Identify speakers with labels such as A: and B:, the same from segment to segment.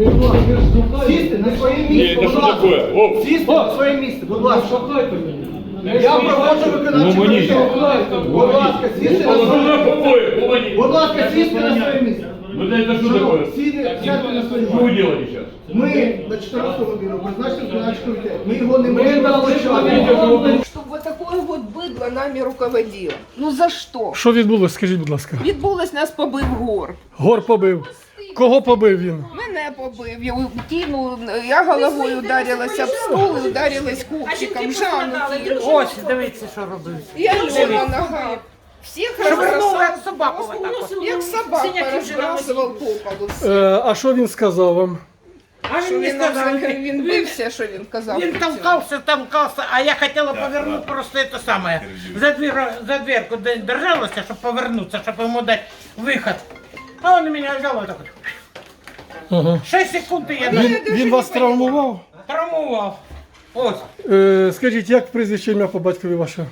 A: Сісти на своє
B: Ні,
A: місце,
B: це
A: будь
B: що
A: ласка.
B: таке? О,
A: Сісти на своє місце, будь ласка. Я проводжу виконавчу
B: Ну, мені.
A: комісію. Будь ласка, сісти на своє місце. Будь ласка, сісти на своє місце.
B: Ну это что такое?
A: Сядьте на своє
B: Что вы
A: місце.
B: делаете сейчас?
A: Ми на 14-му бюро призначили виконавчий комітет. Ми його не можемо розпочати.
C: Щоб вот такое вот бидло нами руководило. Ну за що?
D: Що відбулося, скажіть, будь ласка?
C: Відбулось, нас побив гор.
D: Гор побив. Кого побив він?
C: Мене побив, я кинув, я головою ударилася об стол і ударилась копчиком. Жанну кинув.
E: Ось, дивіться, що робив.
C: Я Альона нога. Всіх
E: Швырнув, як
C: розбросав,
E: собаку отак от.
C: як собак розбрасував по полу.
D: А що він сказав вам?
E: А
C: Що
E: він не
C: він,
E: сказав.
C: він бився, що він казав.
E: Він толкався, а я хотіла повернути просто це саме. За дверку держалася, щоб повернутися, щоб йому дати вихід. А він мене взяв отак от.
D: Ага.
E: 6 секунд і я
D: Він вас травмував?
E: травмував. Ось.
D: Скажіть, як прізвище ім'я по батькові ваше?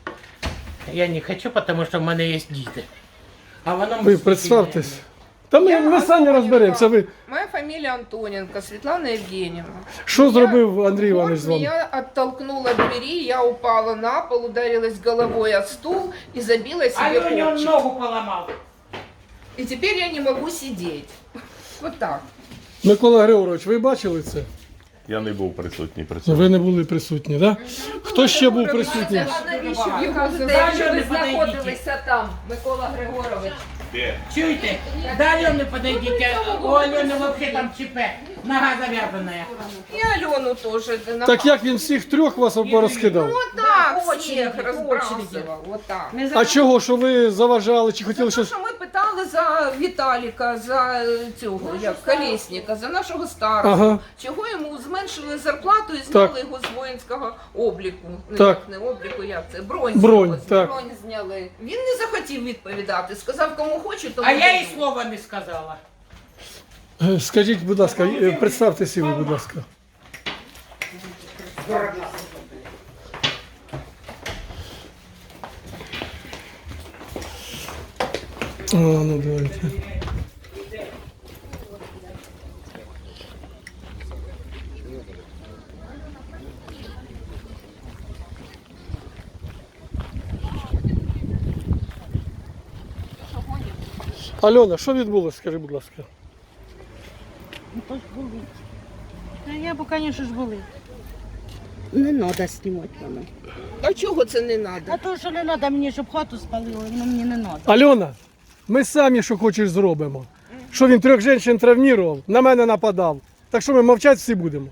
E: Я не хочу, тому що в мене є діти. А вона
D: Ви представтесь. Та ми самі розберемося. Ви
C: Моя фамилия Антоненко, Светлана Евгеньевна.
D: що зробив Андрій Іванович з
C: Вот
D: вами?
C: меня оттолкнуло от двери, я упала на пол, ударилась головой о стул и забила себе
E: А він
C: копчик.
E: ногу поламав.
C: И теперь я не могу сидеть. Вот так.
D: Микола Григорович, ви бачили це?
B: Я не був присутній при цьому.
D: Ви не були присутні, так? Да? Хто ще був присутній?
F: Навіщо ви
C: Його
F: кажете,
C: задача
F: що ви
E: не подойдіть.
F: знаходилися там, Микола Григорович?
E: Чуєте? До Альони подойдите. У Альони взагалі там ЧП. Нога зав'язана.
C: И Алену тоже.
D: Так як він всіх трьох вас порозкидав?
C: Вот так,
F: очередь,
C: всех разбрасывал. Вот так.
D: А чого, що ви заважали чи хотіли
C: Тому
D: щось?
C: що ми питали за Віталіка, за цього, як Колєсника, за нашого старого.
D: Ага.
C: Чого йому зменшили зарплату і
D: Так.
C: зняли його з воїнського обліку. Ну,
D: Так.
C: як не обліку, як це? Бронь.
D: Бронь,
C: зняли.
D: так.
C: Бронь зняли. Він не захотів відповідати. Сказав, кому хочу, тому
E: А я
C: даю.
E: їй слова не сказала.
D: Скажіть, будь ласка, представтеся ви, будь ласка. А, ну давайте. Альона, що відбулося, скажи, будь ласка?
G: Я б, звісно ж, були.
H: Не треба знімати мене.
C: А чого це не треба?
G: А то, що не треба мені, щоб хату спалили, воно мені не треба.
D: Альона, ми самі, що хочеш, зробимо. Що він 3 жінок травмував, на мене нападав. Так що ми мовчати всі будемо.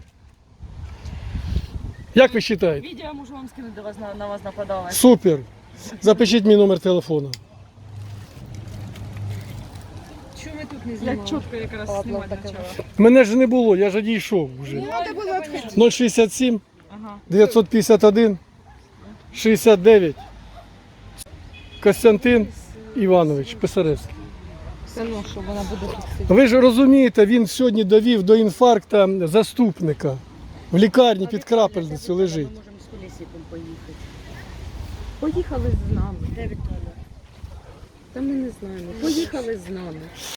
D: Як ви вважаєте?
G: Відео можу вам скинути, де вас на вас нападали.
D: Супер. Запишіть мій номер телефону.
G: Чого ви тут не знімали? Я чітко якраз знімати почала.
D: Мене ж не було, я ж одійшов вже.
C: Треба було відходити.
D: 067
G: Ага.
D: 951 69 Костянтин Іванович Писаревський.
G: Це ну, що вона буде тут сидіти.
D: Ви ж розумієте, він сьогодні довів до інфаркта заступника. В лікарні під крапельницю лежить.
H: Ми можемо з колесиком поїхати. Поїхали з нами. Де Віталя? Та ми не знаємо. Поїхали з нами.